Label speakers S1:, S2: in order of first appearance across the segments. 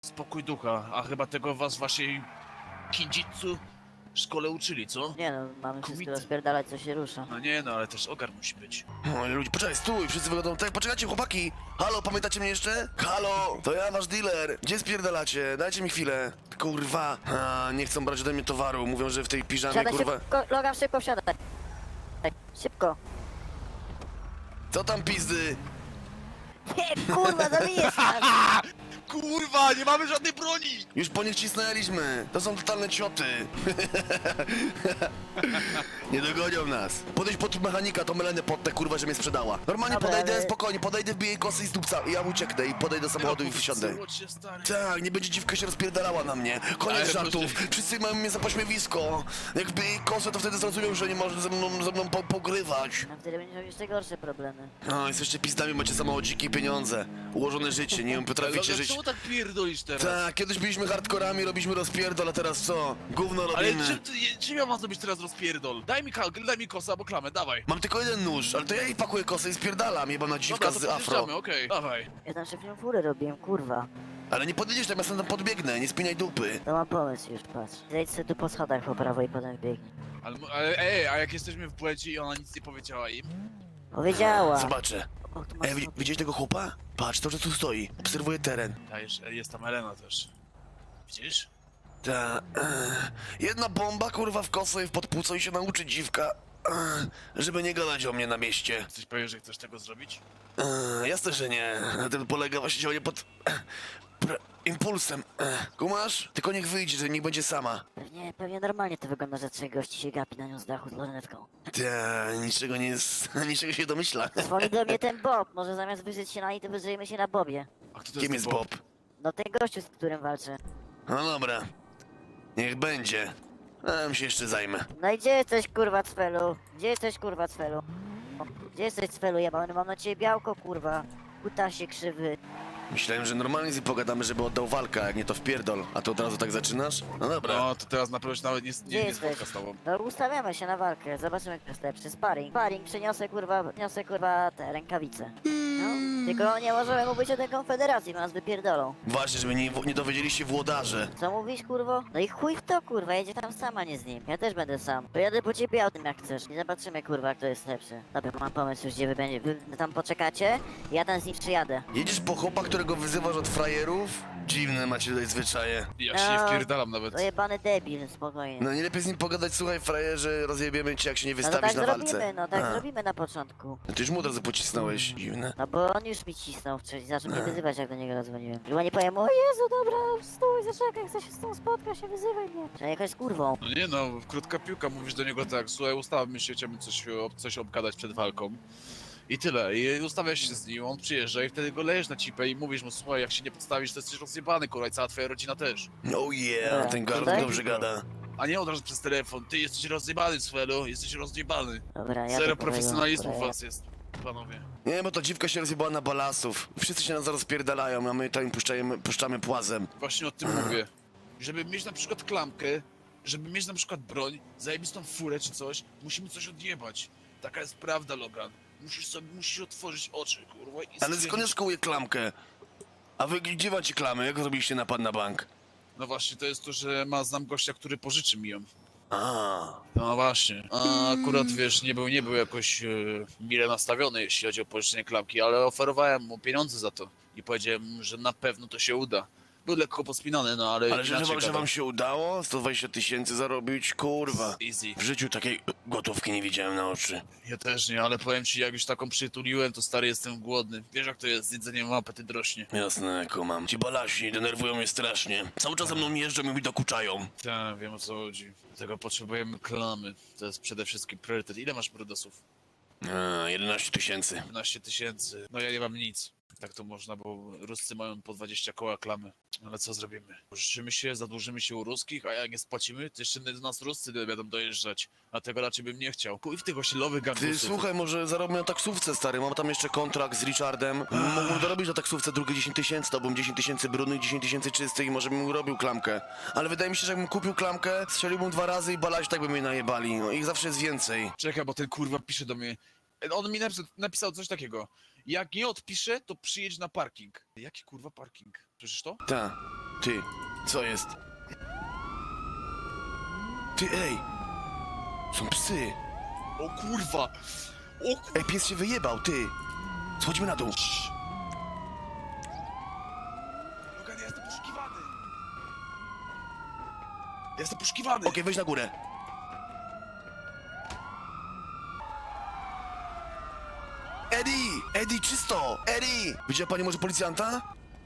S1: Spokój ducha, a chyba tego was w waszej kinjitsu szkole uczyli, co?
S2: Nie no, mamy wszystko
S1: Kumite.
S2: rozpierdalać, co się rusza.
S1: No nie no, ale też ogar musi być.
S3: Oj, ludzie, poczekaj, stój, wszyscy wychodzą. Tak, poczekajcie, chłopaki! Halo, pamiętacie mnie jeszcze? Halo, to ja, wasz dealer. Gdzie spierdalacie? Dajcie mi chwilę. Kurwa, nie chcą brać ode mnie towaru. Mówią, że w tej piżamie,
S2: Wsiadaj
S3: kurwa...
S2: szybko, Logan, szybko wsiadaj. Szybko.
S3: Co tam, pizdy?
S2: Nie, kurwa, zabijesz nas.
S1: Kurwa, nie mamy żadnej broni!
S3: Już po nich cisnęliśmy. To są totalne cioty. Nie dogonią nas. Podejdź pod mechanika, to melenę pod tę kurwa, że mnie sprzedała. Normalnie
S2: Dobra,
S3: podejdę,
S2: ale-
S3: spokojnie, podejdę, wbiję jej kosy i z dupca. I ja ucieknę i podejdę do samochodu i
S1: No,
S3: wsiądę.
S1: powstrzymać się, stary.
S3: Tak, nie będzie dziwka się rozpierdalała na mnie. Koniec
S1: Ale
S3: żartów.
S1: proszę.
S3: Wszyscy mają mnie za pośmiewisko. Jakby jej kosę, to wtedy zrozumiał, że nie może ze mną pogrywać.
S2: A wtedy będziesz miał jeszcze gorsze problemy.
S3: No, jesteście pizdami, macie samochodziki i pieniądze. Ułożone życie, nie wiem, potraficie
S1: Ale
S3: żyć.
S1: czemu tak pierdolisz teraz?
S3: Tak, kiedyś byliśmy hardkorami, robiliśmy rozpierdol, a teraz co? Gówno
S1: Ale
S3: robimy.
S1: czym ja mam zrobić teraz rozpierdol? Daj mi kosa albo klamę, dawaj.
S3: Mam tylko jeden nóż, ale to ja jej pakuję kosę i spierdalam, jebana dziwka
S1: Dobra, to
S3: z afro.
S1: podjeżdżamy, okej. Dawaj.
S2: Ja tam szybką furę robiłem, kurwa.
S3: Ale nie podjedziesz tam, ja sam tam podbiegnę, nie spinaj dupy.
S2: To mam pomysł już, patrz. Zejdź sobie tu po schodach po prawo i potem wbiegnij.
S1: A jak jesteśmy w błędzie i ona nic nie powiedziała im?
S2: Powiedziała.
S3: Zobaczę.
S2: O, tu masz
S3: Ej,
S2: schody.
S3: widziałeś tego chłopa? Patrz, to, że tu stoi. Obserwuję teren.
S1: Jest tam Elena też. Widzisz?
S3: Ta, jedna bomba, kurwa, w kosę i w podpłuco i się nauczy dziwka. Żeby nie gadać o mnie na mieście.
S1: Jesteś pewien, że chcesz tego zrobić?
S3: Jasne, że nie. Na tym polega właśnie działanie pod... impulsem. Kumasz? Tylko niech wyjdzie, że niech będzie sama.
S2: Pewnie normalnie to wygląda, że trzech gości się gapi na nią z dachu z lornetką.
S3: Ta, niczego nie jest... niczego się domyśla.
S2: Dzwoni do mnie ten Bob, może zamiast wyżyć się na niej, to wyżyjemy się na Bobie.
S1: A kto to
S3: Kim
S1: ten
S3: jest Bob?
S2: No ten gościu, z którym walczę.
S3: No dobra. Niech będzie. A ja się jeszcze zajmę.
S2: No i gdzie jesteś, kurwa, Cfelu? Gdzie jesteś, kurwa, Cfelu? Gdzie jesteś, Cfelu? Ja mam na ciebie białko, kurwa. Kutasie krzywy.
S3: Myślałem, że normalnie z nim pogadamy, żeby oddał walkę, a jak nie to wpierdol. A to od razu tak zaczynasz? No dobra.
S1: No, to teraz na pewno się nawet
S2: Gdzie
S1: nie
S2: jesteś?
S1: spotka z tobą.
S2: No ustawiamy się na walkę, zobaczymy kto jest lepszy. Sparring. Sparring, przyniosę kurwa te rękawice. No, tylko nie możemy mówić o tej konfederacji, bo nas wypierdolą.
S3: Właśnie, żeby nie dowiedzieli się włodarze.
S2: Co mówisz, kurwo? No i chuj w to, kurwa, jedzie tam sama, nie z nim. Ja też będę sam. Pojadę po ciebie autem jak chcesz. I zobaczymy, kurwa, kto jest lepszy. Dobra, mam pomysł już, gdzie wy tam poczekacie. Ja tam z nim przyjadę.
S3: Jedziesz po chłopa, którego wyzywasz od frajerów? Dziwne macie tutaj zwyczaje.
S1: Ja się nie
S2: No,
S1: wpierdalam nawet.
S2: To jebany debil, spokojnie.
S3: No nie lepiej z nim pogadać, słuchaj frajerze, rozjebiemy cię jak się nie
S2: No to
S3: wystawisz
S2: tak
S3: na walce.
S2: zrobimy, no tak
S3: A.
S2: zrobimy na początku.
S3: No ty już mu od razu pocisnąłeś. Dziwne.
S2: No bo on już mi cisnął wcześniej, zaczął mnie wyzywać jak do niego zadzwoniłem. Chyba nie powiem, o Jezu, dobra, stój, zaczekaj, chcę się z tą spotkać, nie wyzywaj mnie. Że jakaś kurwą.
S1: No nie no, krótka piłka, mówisz do niego tak, słuchaj, ustawmy się, chciałbym coś obgadać przed walką. I tyle, i ustawiasz się z nim, on przyjeżdża i wtedy go lejesz na cipę i mówisz mu, słuchaj, jak się nie podstawisz, to jesteś rozjebany, kurwa, i cała twoja rodzina też.
S3: Oh yeah,
S2: Dobra,
S3: ten gardł
S2: tutaj?
S3: dobrze gada.
S1: A nie od razu przez telefon, ty jesteś rozjebany, Swelo, jesteś rozjebany.
S2: Dobra, ja
S1: Zero
S2: to
S1: profesjonalizmu
S2: powiem,
S1: w
S2: dobra,
S1: was jest, panowie.
S3: Nie, bo to dziwka się rozjebała na balasów. Wszyscy się nas zaraz pierdalają, a my tam puszczamy płazem.
S1: Właśnie o tym mówię. Żeby mieć na przykład klamkę, żeby mieć na przykład broń, zajebistą furę czy coś, musimy coś odjebać. Taka jest prawda, Logan. Musisz otworzyć oczy, kurwa, i
S3: Ale
S1: stwierdzić-
S3: skąd ja szkołuję klamkę? A wy gdzie macie klamy? Jak zrobiliście napad na bank?
S1: No właśnie, to jest to, że znam gościa, który pożyczy mi ją.
S3: A,
S1: No właśnie. A akurat, wiesz, nie był jakoś mile nastawiony, jeśli chodzi o pożyczenie klamki, ale oferowałem mu pieniądze za to. I powiedziałem mu, że na pewno to się uda. Był lekko pospinany, no ale
S3: ale że
S1: inaczej
S3: wam
S1: gadał.
S3: się udało? 120 000 zarobić? Kurwa.
S1: Easy.
S3: W życiu takiej gotówki nie widziałem na oczy.
S1: Ja też nie, ale powiem ci, jak już taką przytuliłem, to stary, jestem głodny. Wiesz jak to jest, z jedzeniem apetyt rośnie.
S3: Jasne, kumam. Ci balasi denerwują mnie strasznie. Cały czas ze mną jeżdżą i mi dokuczają.
S1: Tak, wiem o co chodzi. Dlatego potrzebujemy klamy. To jest przede wszystkim priorytet. Ile masz brudosów?
S3: 11 000.
S1: 15 000. No ja nie mam nic. Tak to można, bo Ruscy mają po 20 koła klamy. Ale co zrobimy? Pożyczymy się, zadłużymy się u ruskich, a jak nie spłacimy, to jeszcze do nas Ruscy będą dojeżdżać. A tego raczej bym nie chciał. Kuj w tych osiedlowych
S3: Ty
S1: gangusów.
S3: słuchaj, może zarobię na taksówce, stary. Mam tam jeszcze kontrakt z Richardem. Mógłbym dorobić na taksówce drugie 10 000, to bym 10 000 brudnych, 10 000 czystych i może bym robił klamkę. Ale wydaje mi się, że jakbym kupił klamkę, strzeliłbym 2 razy i balasi tak by mnie najebali. No, ich zawsze jest więcej.
S1: Czekaj, bo ten kurwa pisze do mnie. On mi napisał coś takiego. Jak nie odpiszę, to przyjedź na parking. Jaki kurwa parking? Słyszysz to?
S3: Ta. Ty, co jest? Ty, ej! Są psy!
S1: O kurwa! O kurwa!
S3: Ej, pies się wyjebał, ty! Schodźmy na dół.
S1: Logan, ja jestem poszukiwany! Ja jestem poszukiwany!
S3: Okej, wejdź na górę. Eddie! Eddie, czysto! Eddie! Widziała pani może policjanta?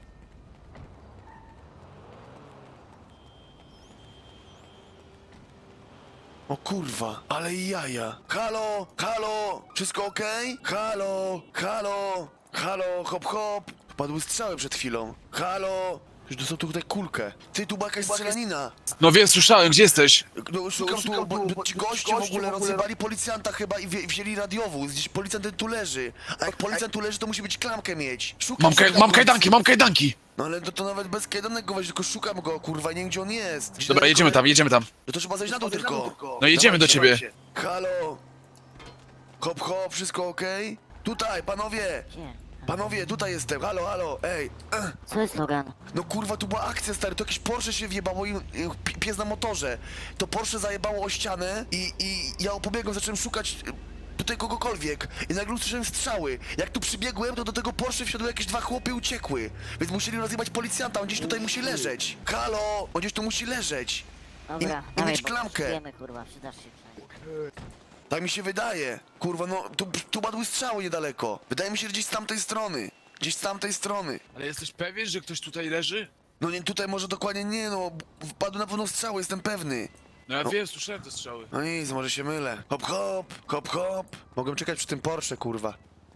S3: O kurwa, ale jaja. Halo, halo, wszystko okej? Halo, halo, halo, hop hop. Padły strzały przed chwilą. Halo, już dostał tutaj kulkę. Ty, tu była jakaś strzelanina.
S1: No wiem, słyszałem, gdzie jesteś?
S3: No, szukam tu, bo ci goście w ogóle rozjebali policjanta chyba i wzięli radiowóz. Gdzieś policjant tu leży. A jak policjant tu leży, to musi być klamkę mieć. Szukam,
S1: Mam kajdanki, mam kajdanki!
S3: No ale to nawet bez kajdanek go weź, tylko szukam go, kurwa, nie wiem gdzie on jest. Gdzieś
S1: Dobra,
S3: daleko-
S1: jedziemy tam.
S3: No to trzeba zejść na dół tylko.
S1: No jedziemy do ciebie.
S3: Dawajcie. Halo. Hop hop, wszystko okej? Tutaj, panowie.
S2: Gdzie?
S3: Panowie, tutaj jestem, halo, halo, ej.
S2: Co jest Logan?
S3: No kurwa, tu była akcja, stary, to jakieś Porsche się wjebało i pies na motorze. To Porsche zajebało o ścianę i ja pobiegłem, zacząłem szukać tutaj kogokolwiek i nagle usłyszałem strzały. Jak tu przybiegłem, to do tego Porsche wsiadły jakieś dwa chłopy i uciekły. Więc musieli rozjebać policjanta, on gdzieś tutaj musi leżeć. Halo, on gdzieś tu musi leżeć.
S2: Dobra,
S3: I
S2: dawaj,
S3: mieć
S2: bo
S3: klamkę.
S2: potrzebujemy, kurwa, przydasz się przynajmniej.
S3: Tak mi się wydaje. Kurwa, no, tu padły strzały niedaleko. Wydaje mi się, że gdzieś z tamtej strony. Gdzieś z tamtej strony.
S1: Ale jesteś pewien, że ktoś tutaj leży?
S3: No nie, tutaj może dokładnie nie, no. Wpadły na pewno strzały, jestem pewny.
S1: No ja wiem, słyszałem te strzały.
S3: No nic, może się mylę. Hop, hop, hop, hop. Mogłem czekać przy tym Porsche, kurwa.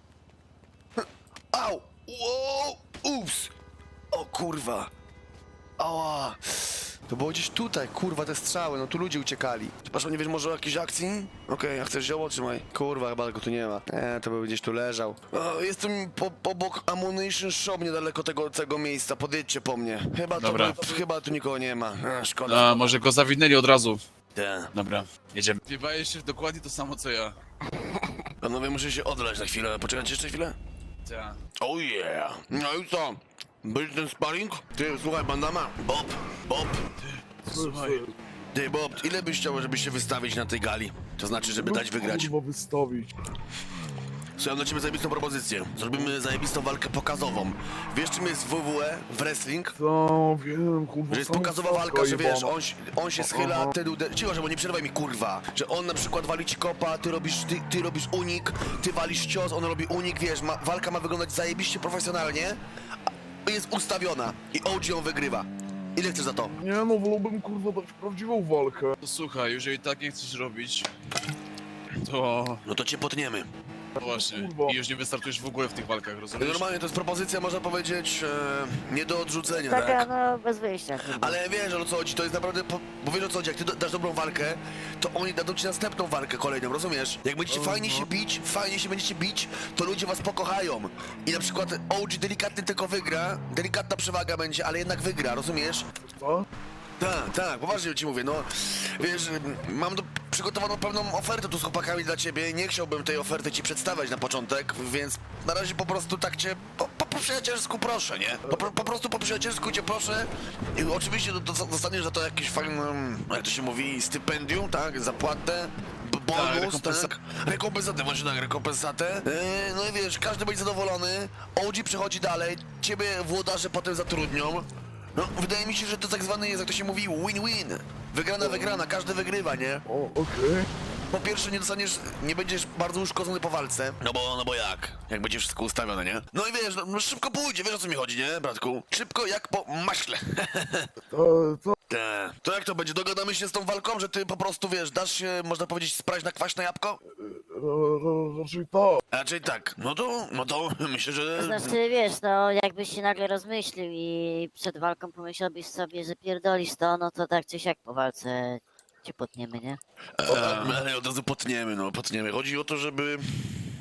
S3: Au! Wow! Ups! O kurwa! Ała! To było gdzieś tutaj, kurwa, te strzały, no tu ludzie uciekali. Przepraszam, nie wiesz może o jakiejś akcji? Okej, a chcesz zioło? Trzymaj. Kurwa, chyba go tu nie ma. To był gdzieś tu leżał. Jestem obok Ammunition Shop, niedaleko tego miejsca, podjedźcie po mnie.
S1: Dobra.
S3: Chyba tu nikogo nie ma. Szkoda.
S1: A, może go zawinęli od razu.
S3: Dobra.
S1: Jedziemy. Wiebaje się dokładnie to samo co ja.
S3: Panowie, muszę się odlać na chwilę. Poczekajcie jeszcze chwilę?
S1: Ta.
S3: Oh yeah! No i co? Byś ten sparring? Ty, słuchaj, bandama. Bob.
S1: Słuchaj.
S3: Ty, Bob, ile byś chciał, żeby się wystawić na tej gali? To znaczy, żeby dać wygrać.
S4: Kurwa wystawić.
S3: Słuchaj, mam dla ciebie zajebistą propozycję. Zrobimy zajebistą walkę pokazową. Wiesz, czym jest WWE, wrestling?
S4: Co, wiem, kurwa.
S3: Że jest
S4: sama
S3: pokazowa
S4: stawka
S3: walka, że wiesz,
S4: jebana.
S3: on się schyla, ty cicho, bo nie przerywaj mi, kurwa. Że on na przykład wali ci kopa, ty robisz unik, ty walisz cios, on robi unik, wiesz, walka ma wyglądać zajebiście profesjonalnie, a jest ustawiona i OG ją wygrywa. Ile chcesz za to?
S4: Nie no, wolałbym kurwa dać prawdziwą walkę.
S1: To słuchaj, jeżeli tak nie chcesz robić, to
S3: No to cię potniemy.
S1: właśnie.
S4: kurwa.
S1: I już nie wystartujesz w ogóle w tych walkach, rozumiesz?
S3: Normalnie to jest propozycja, można powiedzieć, nie do odrzucenia,
S2: Taka,
S3: tak?
S2: no, bez wyjścia, kurwa.
S3: Ale wiesz o co chodzi, to jest naprawdę, bo wiesz o co chodzi, jak ty dasz dobrą walkę, to oni dadzą ci następną walkę kolejną, rozumiesz? Jak będziecie fajnie się będziecie bić, to ludzie was pokochają. I na przykład OG delikatnie tylko wygra, delikatna przewaga będzie, ale jednak wygra, rozumiesz?
S4: Co?
S3: Tak, poważnie ci mówię, no, wiesz, mam przygotowaną pewną ofertę tu z chłopakami dla ciebie, nie chciałbym tej oferty ci przedstawiać na początek, więc na razie po prostu tak cię, po przyjacielsku proszę, nie? Po prostu po przyjacielsku cię proszę i oczywiście dostaniesz za to jakieś fajne, jak to się mówi, stypendium, tak, zapłatę, bonus, tak, rekompensatę, właśnie tak, rekompensatę, no i wiesz, każdy będzie zadowolony, OG przechodzi dalej, ciebie włodarze potem zatrudnią. No, wydaje mi się, że to tak zwany jest, jak to się mówi, win-win. Wygrana, każdy wygrywa, nie?
S4: O, okej.
S3: Po pierwsze nie będziesz bardzo uszkodzony po walce. No bo jak? Jak będzie wszystko ustawione, nie? No i wiesz, no szybko pójdzie, wiesz o co mi chodzi, nie, bratku? Szybko jak po maśle.
S4: Co?
S3: To jak to będzie? Dogadamy się z tą walką, że ty po prostu, wiesz, dasz się, można powiedzieć, sprać na kwaśne jabłko?
S4: Raczej tak.
S3: Raczej tak. No to myślę, że...
S2: Znaczy, wiesz, no, jakbyś się nagle rozmyślił i przed walką pomyślałbyś sobie, że pierdolisz to, no to tak czy siak po walce cię potniemy, nie?
S3: Ale od razu potniemy. Chodzi o to, żeby...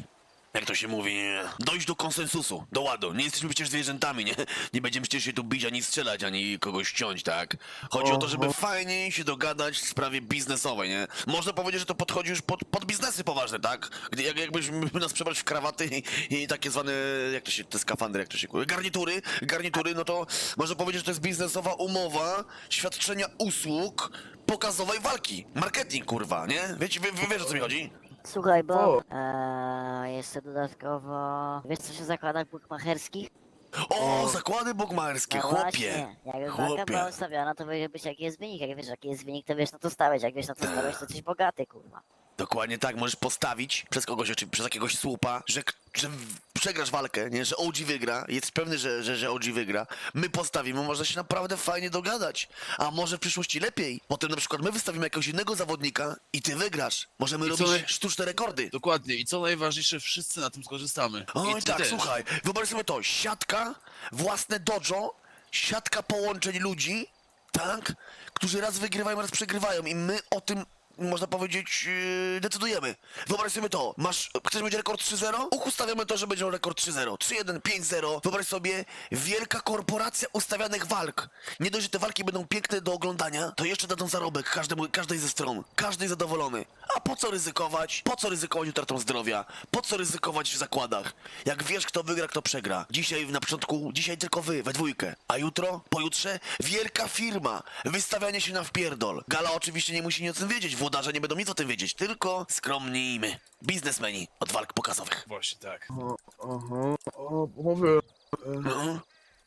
S3: jak to się mówi, dojść do konsensusu, do ładu. Nie jesteśmy przecież zwierzętami, nie? Nie będziemy przecież się tu bić, ani strzelać, ani kogoś ciąć, tak? Chodzi o to, żeby fajnie się dogadać w sprawie biznesowej, nie? Można powiedzieć, że to podchodzi już pod biznesy poważne, tak? Jakbyśmy nas przebrać w krawaty i takie zwane, jak to się, te skafandry, jak to się mówi, garnitury, no to można powiedzieć, że to jest biznesowa umowa świadczenia usług pokazowej walki. Marketing, kurwa, nie? Wiecie, wiesz o co mi chodzi?
S2: Słuchaj, bo
S4: Co?
S2: jeszcze dodatkowo, wiesz co się zakłada w bukmacherskich?
S3: O, zakłady bukmacherskie,
S2: No
S3: chłopie!
S2: właśnie, jakby walka była
S3: Chłopie!
S2: ustawiona, to wiedziałbyś jaki jest wynik, jak wiesz jaki jest wynik, to wiesz na to stałeś, jak wiesz na to stałeś, to jesteś bogaty, kurwa.
S3: Dokładnie tak, możesz postawić przez kogoś, czy przez jakiegoś słupa, że przegrasz walkę, nie? Że OG wygra, jest pewny, że OG wygra. My postawimy, można się naprawdę fajnie dogadać. A może w przyszłości lepiej? Potem na przykład my wystawimy jakiegoś innego zawodnika i ty wygrasz. Możemy
S1: I co
S3: robić
S1: naj-
S3: sztuczne rekordy.
S1: Dokładnie. I co najważniejsze, wszyscy na tym skorzystamy.
S3: Oj
S1: I ty
S3: tak,
S1: też.
S3: słuchaj, wyobraź sobie to, siatka, własne dojo, siatka połączeń ludzi, tak, którzy raz wygrywają, raz przegrywają i my o tym, można powiedzieć, decydujemy. Wyobraź sobie to, chcesz mieć rekord 3-0? Ustawiamy to, że będzie miał rekord 3-0, 3-1, 5-0. Wyobraź sobie, wielka korporacja ustawianych walk. Nie dość, że te walki będą piękne do oglądania, to jeszcze dadzą zarobek każdej ze stron. Każdy zadowolony. A po co ryzykować? Po co ryzykować utratą zdrowia? Po co ryzykować w zakładach? Jak wiesz, kto wygra, kto przegra. Dzisiaj na początku, dzisiaj tylko wy, we dwójkę. A jutro, pojutrze, wielka firma. Wystawianie się na wpierdol. Gala oczywiście nie musi nic o tym wiedzieć. Włodarze nie będą nic o tym wiedzieć. Tylko skromni i my. Biznesmeni od walk pokazowych.
S1: Właśnie tak.
S4: Aha, a panowie,
S3: No.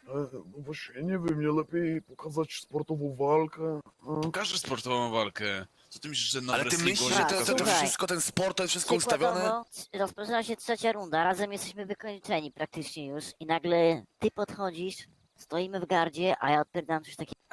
S4: właśnie nie wiem, nie lepiej pokazać sportową walkę?
S1: Pokażesz sportową walkę. Co ty myślisz, że na
S3: Ale ty
S1: wrestlingu
S3: myślisz,
S1: nie
S3: że
S2: Tak,
S3: to
S1: pokażesz?
S2: słuchaj.
S3: wszystko, ten sport, to jest wszystko ustawione?
S2: Przykładowo, rozpoczyna się trzecia runda, razem jesteśmy wykończeni praktycznie już i nagle ty podchodzisz, stoimy w gardzie, a ja odpierdam coś takiego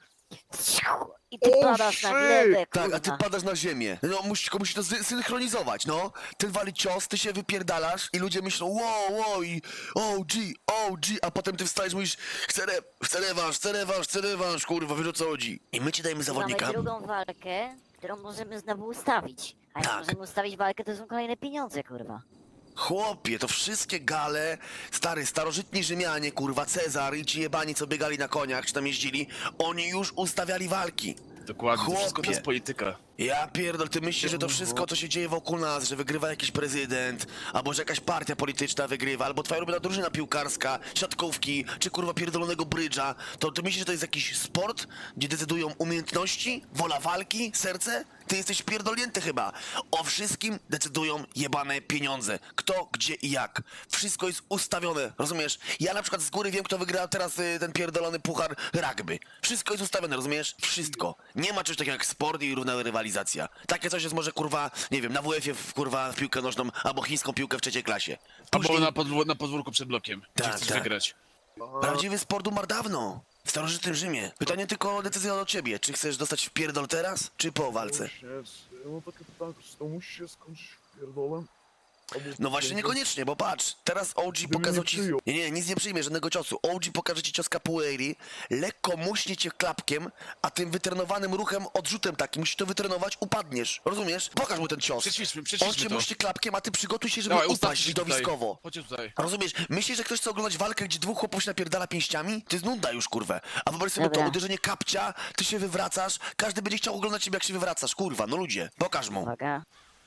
S2: i ty
S4: O,
S2: padasz na
S4: shit!
S2: glebę,
S3: Tak,
S2: kurwa.
S3: a ty padasz na ziemię. No, musisz to synchronizować, no. Ten wali cios, ty się wypierdalasz i ludzie myślą, wow, i OG, a potem ty wstajesz i mówisz, chcę rewanż, kurwa, wiesz o co chodzi. I my ci dajemy
S2: I
S3: zawodnika.
S2: mamy drugą walkę, którą możemy znowu ustawić. A jak
S3: Tak.
S2: możemy ustawić walkę, to są kolejne pieniądze, kurwa.
S3: Chłopie, to wszystkie gale, starożytni Rzymianie, kurwa, Cezar i ci jebani, co biegali na koniach, czy tam jeździli, oni już ustawiali walki.
S1: Dokładnie, to wszystko to
S3: Chłopie.
S1: jest polityka.
S3: Ja pierdol, ty myślisz, że to wszystko, co się dzieje wokół nas, że wygrywa jakiś prezydent, albo że jakaś partia polityczna wygrywa, albo twoja ulubiona drużyna piłkarska, siatkówki, czy kurwa pierdolonego brydża, to ty myślisz, że to jest jakiś sport, gdzie decydują umiejętności, wola walki, serce? Ty jesteś pierdolnięty chyba. O wszystkim decydują jebane pieniądze. Kto, gdzie i jak. Wszystko jest ustawione, rozumiesz? Ja na przykład z góry wiem, kto wygra teraz ten pierdolony puchar rugby. Wszystko jest ustawione, rozumiesz? Wszystko. Nie ma czegoś takiego jak sport i równa rywalizacja. Takie coś jest może, kurwa, nie wiem, na WF-ie, kurwa, w piłkę nożną, albo chińską piłkę w trzeciej klasie.
S1: Albo
S3: Później
S1: na podwórku przed blokiem, gdzie
S3: Tak,
S1: chcesz
S3: tak.
S1: wygrać.
S3: prawdziwy sport umarł dawno. W starożytnym Rzymie. Pytanie tylko o decyzję od ciebie. Czy chcesz dostać w pierdol teraz, czy po walce?
S4: Właśnie, ja mam takie pytanie, czy to musi się skończyć pierdolem? Albo
S3: No właśnie niekoniecznie, bo patrz, teraz OG pokazał ci...
S4: przyjął.
S3: Nie, nic nie przyjmie, żadnego ciosu. OG pokaże ci cios capoeiri, lekko muśnie cię klapkiem, a tym wytrenowanym ruchem, odrzutem takim, musisz to wytrenować, upadniesz. Rozumiesz? Pokaż mu ten cios.
S1: Przećwiczmy
S3: On cię
S1: to.
S3: muśnie klapkiem, a ty przygotuj się, żeby
S1: Dawaj,
S3: upaść
S1: ustawcie się tutaj.
S3: widowiskowo.
S1: Chodźcie tutaj.
S3: Rozumiesz? Myślisz, że ktoś chce oglądać walkę, gdzie dwóch chłopów się napierdala pięściami? To jest nunda już, kurwę. A wyobraź sobie
S2: Dobra.
S3: to uderzenie kapcia, ty się wywracasz, każdy będzie chciał oglądać ciebie, jak się wywracasz, kurwa, no ludzie. Pokaż mu.
S2: Uwaga.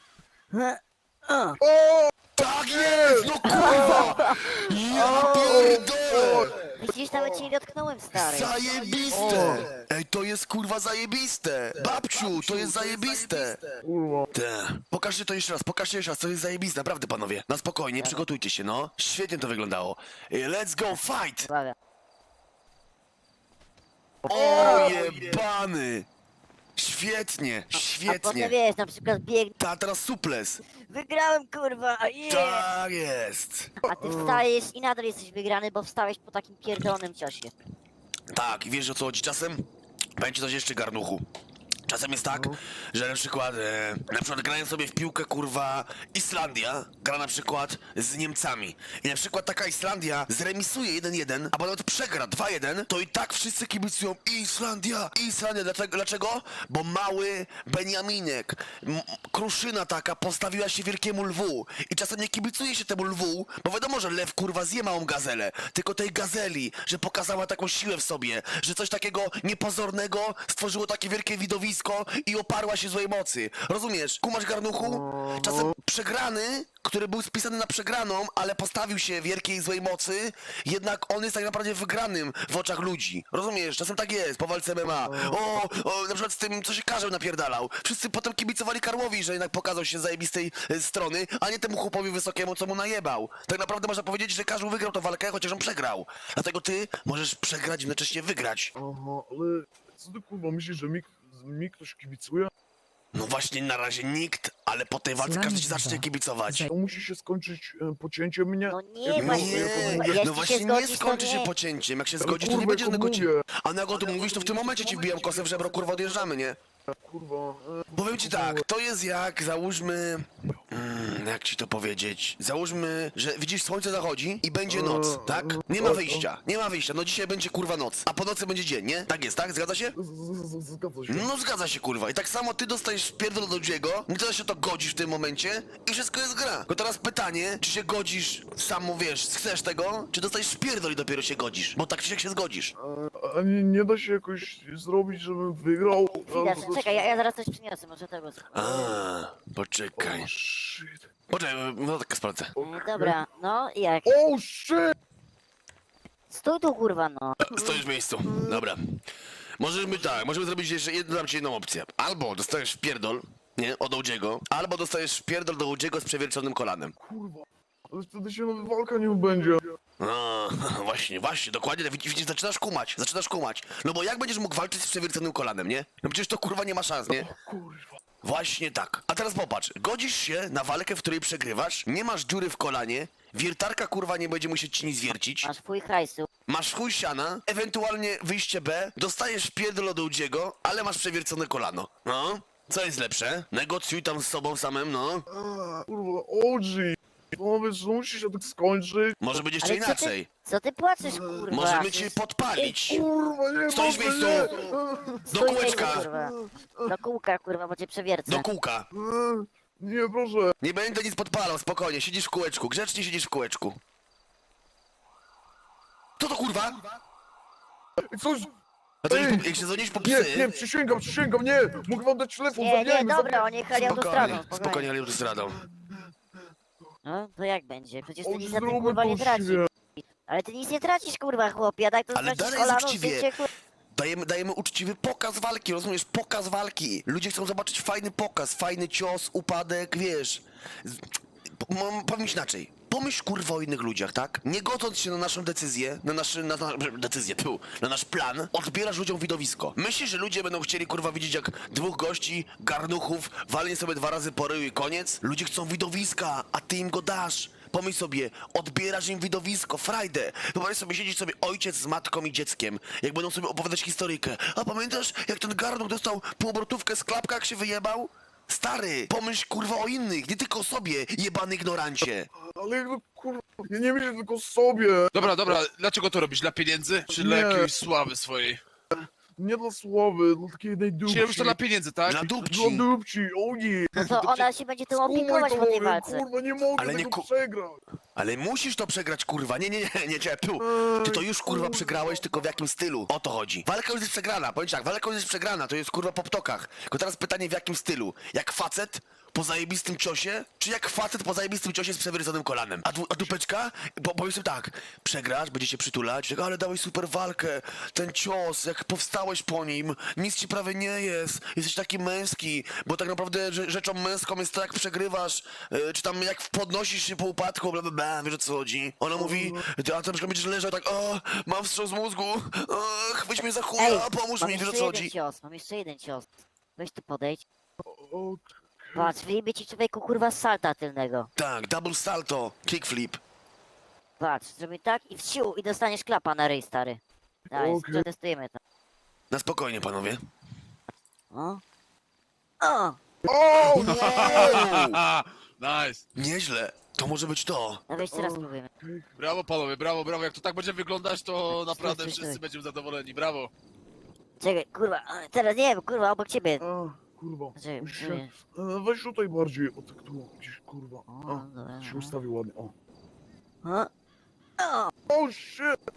S3: Tak jest! No kurwa! Ja pierdolę!
S2: Widzisz, nawet cię nie dotknąłem, stary.
S3: Zajebiste! Ej, to jest kurwa zajebiste! Babciu, to jest zajebiste!
S4: Kurwa,
S3: Te. Pokażcie to jeszcze raz, to jest zajebiste, naprawdę panowie. Na spokojnie, przygotujcie się, no. Świetnie to wyglądało. Let's go, fight!
S2: Uwaga.
S3: O jebany! Świetnie,
S2: A potem
S3: świetnie.
S2: wiesz, na przykład bieg...
S3: Ta, teraz suples.
S2: Wygrałem, kurwa, yeah!
S3: Tak jest.
S2: A ty wstajesz i nadal jesteś wygrany, bo wstałeś po takim pierdolonym ciosie.
S3: Tak, i wiesz o co chodzi czasem? Będzie coś jeszcze, garnuchu. Czasem jest tak, że na przykład grają sobie w piłkę, kurwa, Islandia gra na przykład z Niemcami. I na przykład taka Islandia zremisuje 1-1, a nawet przegra 2-1, to i tak wszyscy kibicują Islandia, Islandia. Dlaczego? Bo mały Beniaminek, kruszyna taka postawiła się wielkiemu lwu. I czasem nie kibicuje się temu lwu, bo wiadomo, że lew, kurwa, zje małą gazelę. Tylko tej gazeli, że pokazała taką siłę w sobie, że coś takiego niepozornego stworzyło takie wielkie widowisko i oparła się złej mocy. Rozumiesz? Kumasz, garnuchu? Czasem przegrany, który był spisany na przegraną, ale postawił się wielkiej złej mocy, jednak on jest tak naprawdę wygranym w oczach ludzi. Rozumiesz? Czasem tak jest, po walce MMA. Na przykład z tym, co się Karzeł napierdalał. Wszyscy potem kibicowali Karłowi, że jednak pokazał się z zajebistej strony, a nie temu chłopowi wysokiemu, co mu najebał. Tak naprawdę można powiedzieć, że Karzeł wygrał tę walkę, chociaż on przegrał. Dlatego ty możesz przegrać i jednocześnie wygrać.
S4: Aha, ale co ty kurwa myślisz, że mi ktoś kibicuje?
S3: No właśnie, na razie nikt, ale po tej walce każdy ci zacznie kibicować.
S4: To musi się skończyć pocięciem mnie?
S2: No nie,
S4: Jak
S2: właśnie,
S4: mówię,
S2: jeśli
S3: no
S2: się
S3: właśnie nie
S2: zgodzisz, to
S3: skończy się
S2: nie.
S3: pocięciem. Jak się
S4: Ale
S3: zgodzisz, to nie
S4: kurwa,
S3: będzie
S4: jak
S3: żadnego ci...
S4: mówię.
S3: A jak o tym mówisz, to w tym momencie ci wbijam kosę w żebro, kurwa, odjeżdżamy, nie?
S4: Kurwa.
S3: Powiem ci tak, to jest jak, załóżmy... jak ci to powiedzieć? Załóżmy, że widzisz, słońce zachodzi i będzie noc, tak? Nie ma wyjścia, nie ma wyjścia. No dzisiaj będzie, kurwa, noc, a po nocy będzie dzień, nie? Tak jest, tak? Zgadza się?
S4: Zgadza się.
S3: No zgadza się, kurwa. I tak samo ty dostajesz pierdol do Dziego, nie to się to godzisz w tym momencie i wszystko jest gra. Tylko teraz pytanie, czy się godzisz sam, wiesz, chcesz tego, czy dostajesz pierdol i dopiero się godzisz? Bo tak czy siak się zgodzisz.
S4: A nie da się jakoś zrobić, żebym wygrał?
S2: Chwila, czekaj, ja zaraz coś przyniosę, może tego...
S3: Poczekaj.
S4: Shit.
S3: Poczekaj, no tak sprawdzę.
S2: Dobra, no i jak?
S4: Oh shit!
S2: Stój tu, kurwa, no.
S3: Stoisz w miejscu. Dobra. Możemy zrobić jeszcze dam ci jedną opcję. Albo dostajesz pierdol, nie, od Ołdziego, albo dostajesz pierdol do Ołdziego z przewierconym kolanem.
S4: Kurwa. Ale wtedy się nawet walka nie będzie.
S3: No, właśnie, dokładnie, widzisz, zaczynasz kumać. No bo jak będziesz mógł walczyć z przewierconym kolanem, nie? No przecież to kurwa nie ma szans, nie?
S4: Kurwa.
S3: Właśnie tak. A teraz popatrz, godzisz się na walkę, w której przegrywasz, nie masz dziury w kolanie, wiertarka kurwa nie będzie musieć ci nic wiercić,
S2: Masz fuj hajsu.
S3: masz chuj siana, ewentualnie wyjście B, dostajesz pierdol od Ołdziego, ale masz przewiercone kolano. No, co jest lepsze? Negocjuj tam z sobą samym, no.
S4: Kurwa, OG. No wiesz, że musi się tak skończyć.
S3: Może być jeszcze
S2: Ale
S3: inaczej.
S2: Co ty płaczesz, kurwa?
S3: Możemy cię podpalić.
S4: Kurwa, nie
S3: Stoisz w
S4: mogę,
S3: miejscu.
S4: nie.
S3: Do
S2: Stój,
S3: kółeczka.
S2: kurwa. Do kółka, kurwa, bo cię przewiercę.
S3: Do kółka.
S4: Nie, proszę.
S3: Nie będę nic podpalał, spokojnie, siedzisz w kółeczku, grzecznie siedzisz w kółeczku. Co to kurwa?
S4: Coś...
S3: A to jak się dzwonisz po psy...
S4: Nie, przysięgam, nie. Mogę wam dać telefon,
S2: Nie, dobra, oni jechali autostradą,
S3: Spokojnie, ale już zradą.
S2: No, to jak będzie? Przecież ty
S4: OG,
S2: nic na tym,
S4: zróbmy
S2: kurwa,
S4: to
S2: nie tracisz.
S4: uczciwie.
S2: Ale ty nic nie tracisz, kurwa, chłopie, a tak to
S3: Ale
S2: stracisz
S3: dalej jest
S2: kolano,
S3: uczciwie.
S2: zdjęcie, kurwa.
S3: Dajemy uczciwy pokaz walki, rozumiesz? Pokaz walki. Ludzie chcą zobaczyć fajny pokaz, fajny cios, upadek, wiesz. Powiem ci inaczej. Pomyśl kurwa o innych ludziach, tak? Nie godząc się na naszą decyzję, na nasz plan, odbierasz ludziom widowisko. Myślisz, że ludzie będą chcieli kurwa widzieć jak dwóch gości, garnuchów, walnie sobie 2 razy po ryju i koniec? Ludzie chcą widowiska, a ty im go dasz. Pomyśl sobie, odbierasz im widowisko, frajdę. Wyobraź sobie, siedzieć sobie ojciec z matką i dzieckiem, jak będą sobie opowiadać historyjkę. A pamiętasz, jak ten garnuch dostał półobrotówkę z klapka, jak się wyjebał? Stary, pomyśl kurwa o innych, nie tylko o sobie, jebany ignorancie.
S4: Ale jak to kurwa, ja nie myślę tylko o sobie.
S1: Dobra, dlaczego to robisz? Dla pieniędzy? Czy dla
S4: Nie.
S1: jakiejś sławy swojej?
S4: Nie dla sławy, dla takiej jednej dupci.
S1: Czy robisz to dla pieniędzy, tak?
S3: Dla
S4: Dla
S3: dupci.
S4: dupci, o nie.
S2: No to ona się będzie tym
S4: Skumaj
S2: opiekować
S4: to,
S2: po tej
S4: mówię,
S2: walce.
S4: Kurwa, nie mogę
S3: Ale nie
S4: tego
S3: ku-
S4: przegrać.
S3: Ale musisz to przegrać, kurwa. Nie, tu. Ty to już kurwa przegrałeś, tylko w jakim stylu? O to chodzi. Walka już jest przegrana, powiem ci tak, walka już jest przegrana, to jest kurwa po ptokach. Tylko teraz pytanie w jakim stylu? Jak facet po zajebistym ciosie, czy jak facet po zajebistym ciosie z przewierconym kolanem? A dupeczka? Bo powiem sobie tak, przegrasz, będzie się przytulać, tak, ale dałeś super walkę, ten cios, jak powstałeś po nim, nic ci prawie nie jest, jesteś taki męski, bo tak naprawdę rzeczą męską jest to, jak przegrywasz, czy tam jak podnosisz się po upadku, bla bla bla, wiesz o co chodzi? Ona mówi, ty, a na przykład będziesz leżał tak, o, mam wstrząs mózgu, chwyć mnie za chuja, pomóż
S2: mam
S3: mi, wiesz o
S2: jeszcze
S3: co
S2: jeden
S3: chodzi?
S2: cios, mam jeszcze jeden cios. Weź tu podejdź.
S4: O,
S2: Patrz, wyjmie ci człowieku, kurwa, z salta tylnego.
S3: Tak, double salto, kickflip.
S2: Patrz, zrobię tak i wsiu, i dostaniesz klapa na ryj, stary. Daj,
S4: Okej.
S2: przetestujemy to.
S3: Na spokojnie, panowie.
S2: O, O!
S3: O!
S1: Nice.
S3: Nieźle. To może być to.
S2: No jeszcze raz spróbujemy.
S1: Brawo panowie, brawo, brawo. Jak to tak będzie wyglądać, to naprawdę
S2: stój,
S1: wszyscy
S2: stój.
S1: będziemy zadowoleni. Brawo.
S2: Czekaj, kurwa, teraz nie wiem, kurwa, obok ciebie.
S4: Kurwa.
S2: Znaczy,
S4: Musisz
S2: nie.
S4: się... Weź tutaj bardziej, o tak tu, gdzieś, kurwa.
S2: O, dobra.
S4: Się ustawi ładnie, o.
S2: O! O!
S4: O, shit!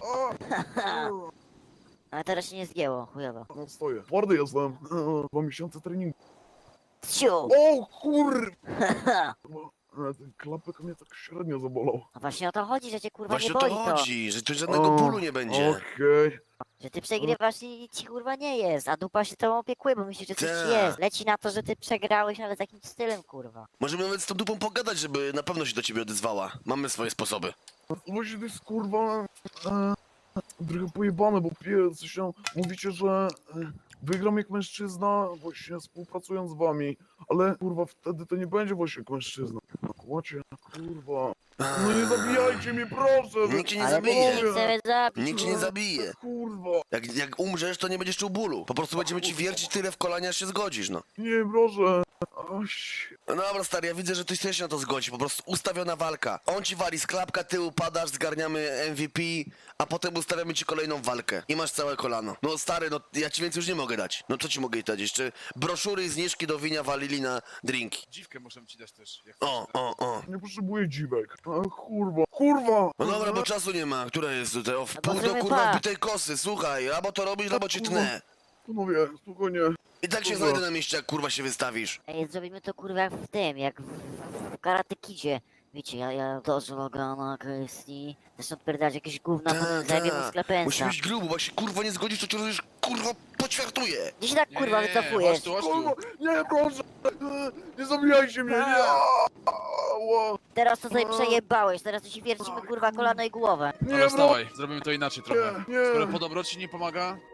S2: Ale teraz się nie zgięło, chujowo.
S4: No stoję. Twardy jestem. 2 miesiące treningu.
S2: Ciu!
S4: O, kurwa! Ten klapek mnie tak średnio zabolał.
S2: A właśnie o to chodzi, że cię kurwa
S3: Właśnie
S2: nie
S3: o to
S2: boli to.
S3: chodzi, że tu żadnego bólu nie będzie.
S4: Okej.
S2: Że ty przegrywasz i nic ci kurwa nie jest, a dupa się tobą opiekuje, bo myśli, że coś ci
S3: Tak.
S2: jest. Leci na to, że ty przegrałeś, ale z jakimś stylem kurwa.
S3: Możemy nawet z tą dupą pogadać, żeby na pewno się do ciebie odezwała. Mamy swoje sposoby.
S4: Właśnie to jest kurwa... Trochę pojebane, bo coś tam... Mówicie, że... Wygram jak mężczyzna, właśnie współpracując z wami. Ale kurwa, wtedy to nie będzie właśnie jak mężczyzna. Kłacie, kurwa. No nie zabijajcie mnie, proszę!
S3: Nikt cię nie
S2: Ale my
S3: zabije.
S2: nie chcemy zabić.
S3: Nikt cię nie zabije.
S4: Kurwa.
S3: Jak umrzesz, to nie będziesz czuł bólu. Po prostu będziemy ci wiercić tyle w kolanie, aż się zgodzisz, no.
S4: Nie, proszę. Aś.
S3: No dobra, stary, ja widzę, że ty chcesz się na to zgodzić. Po prostu ustawiona walka. On ci wali z klapka, ty upadasz, zgarniamy MVP, a potem ustawiamy ci kolejną walkę. I masz całe kolano. No stary, no ja ci więcej już nie mogę dać. No co ci mogę dać? Jeszcze broszury i zniżki do winia walili na drinki.
S1: Dziwkę muszę ci dać też. Jak chcesz.
S3: O.
S4: Nie potrzebuję dziwek. A, kurwa. Kurwa!
S3: No dobra, bo czasu nie ma. Która jest tutaj? O, w
S2: No
S3: pół
S2: bo
S3: do
S2: zrobimy
S3: kurwa
S2: pas.
S3: wbitej kosy. Słuchaj, albo to robisz, albo cię tnę.
S4: Panowie, spokojnie.
S3: I tak się
S4: Kurwa.
S3: znajdę na mieście, jak kurwa się wystawisz.
S2: Ej, zrobimy to kurwa jak w tym, jak w Karate Kidzie. Wiecie, ja dożę Logana, Christie, zresztą odpierdać jakieś gówna,
S3: Ta,
S2: potem zajmie mu
S3: ta.
S2: sklepensa.
S3: Musi być grubo, bo jak się kurwa nie zgodzisz, to cię rozumiesz, kurwa poćwiartuje.
S2: Gdzie się tak kurwa
S1: Nie,
S2: wycofujesz?
S1: chodź tu, chodź
S4: Kurwa!
S1: tu.
S4: Nie, proszę! Nie zabijajcie mnie, nie! Ała.
S2: Teraz to sobie przejebałeś, teraz to ci wiercimy kurwa kolano i głowę.
S4: Nie,
S1: Ale
S4: bro!
S1: wstawaj, zrobimy to inaczej trochę.
S4: Nie, nie.
S1: Skoro po dobroci nie pomaga,